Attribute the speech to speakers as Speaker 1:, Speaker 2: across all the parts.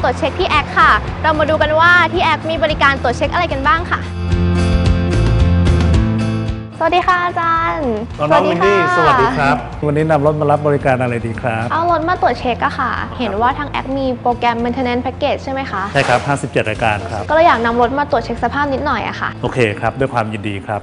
Speaker 1: วจเช็คที่แอคค่ะเรามาดูกันว่าที่แอคมีบริการตรวจเช็คอะไรกันบ้างค่ะสวัสดีค่ะอาจารย์
Speaker 2: น้องวินดี้สวัสดีครับวันนี้นำรถมารับบริการอะไรดีครับ
Speaker 1: เอารถมาตรวจเช็คอะค่ะเห็นว่าทางแอคมีโปรแกรม Maintenance Package ใช่ไหมคะ
Speaker 2: ใช่ครับ57รายการครับ
Speaker 1: ก็เลยอยากนำรถมาตรวจเช็คสภาพนิดหน่อยอะค่ะ
Speaker 2: โอเคครับด้วยความยินดีครับ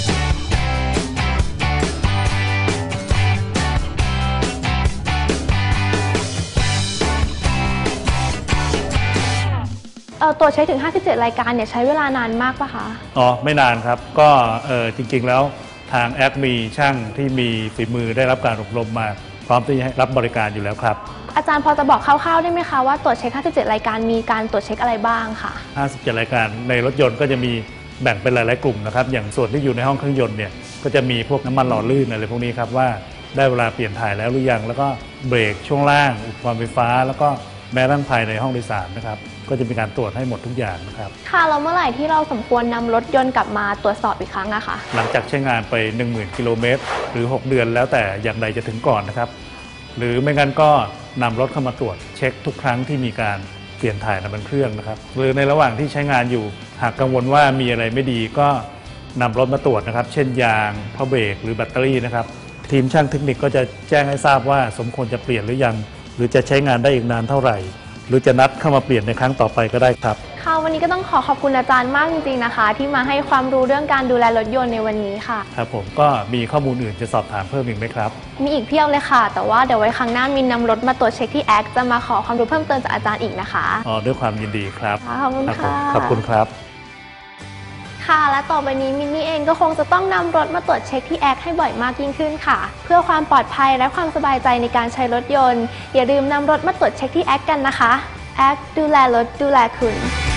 Speaker 1: ตรวจเช็คถึง57รายการเนี่ยใช้เวลานานมากปะคะ
Speaker 2: อ๋อไม่นานครับก็จริงๆแล้วทางแอคมีช่างที่มีฝีมือได้รับการอบรมมาพร้อมที่จะรับบริการอยู่แล้วครับ
Speaker 1: อาจารย์พอจะบอกคร่าวๆได้ไหมคะว่าตรวจเช็ค57รายการมีการตรวจเช็คอะไรบ้างค่ะ
Speaker 2: 57รายการในรถยนต์ก็จะมีแบ่งเป็นหลายๆกลุ่มนะครับอย่างส่วนที่อยู่ในห้องเครื่องยนต์เนี่ยก็จะมีพวกน้ำมันหล่อลื่นอะไรพวกนี้ครับว่าได้เวลาเปลี่ยนถ่ายแล้วหรือยังแล้วก็เบรกช่วงล่างอุปกรณ์ไฟฟ้าแล้วก็แม้ทั้งภายในห้องโดยสารนะครับก็จะมีการตรวจให้หมดทุกอย่างนะครับ
Speaker 1: ค่ะแล้วเมื่อไหร่ที่เราสมควรนำรถยนต์กลับมาตรวจสอบอีกครั้งอะคะ
Speaker 2: หลังจากใช้งานไป 10,000 กิโลเมตรหรือ6เดือนแล้วแต่อย่างใดจะถึงก่อนนะครับหรือไม่งั้นก็นำรถเข้ามาตรวจเช็คทุกครั้งที่มีการเปลี่ยนถ่ายน้ำมันเครื่องนะครับหรือในระหว่างที่ใช้งานอยู่หากกังวลว่ามีอะไรไม่ดีก็นำรถมาตรวจนะครับเช่นยางผ้าเบรกหรือแบตเตอรี่นะครับทีมช่างเทคนิคก็จะแจ้งให้ทราบว่าสมควรจะเปลี่ยนหรือยังหรือจะใช้งานได้อีกนานเท่าไหร่หรือจะนัดเข้ามาเปลี่ยนในครั้งต่อไปก็ได้ครับ
Speaker 1: ค่ะวันนี้ก็ต้องขอบคุณอาจารย์มากจริงๆนะคะที่มาให้ความรู้เรื่องการดูแลรถยนต์ในวันนี้ค่ะ
Speaker 2: ครับผมก็มีข้อมูลอื่นจะสอบถามเพิ่มอีกไหมครับ
Speaker 1: มีอีกเพียบเลยค่ะแต่ว่าเดี๋ยวไว้ครั้งหน้ามินนำรถมาตรวจเช็คที่แอคจะมาขอความรู้เพิ่มเติมจากอาจารย์อีกนะคะ
Speaker 2: ด้วยความยินดีครับ
Speaker 1: ขอบคุณค่ะ
Speaker 2: ขอบคุณครับ
Speaker 1: ค่ะและต่อไปนี้มินนี่เองก็คงจะต้องนำรถมาตรวจเช็คที่แอคให้บ่อยมากยิ่งขึ้นค่ะเพื่อความปลอดภัยและความสบายใจในการใช้รถยนต์อย่าลืมนำรถมาตรวจเช็คที่แอคกันนะคะแอคดูแลรถดูแลคุณ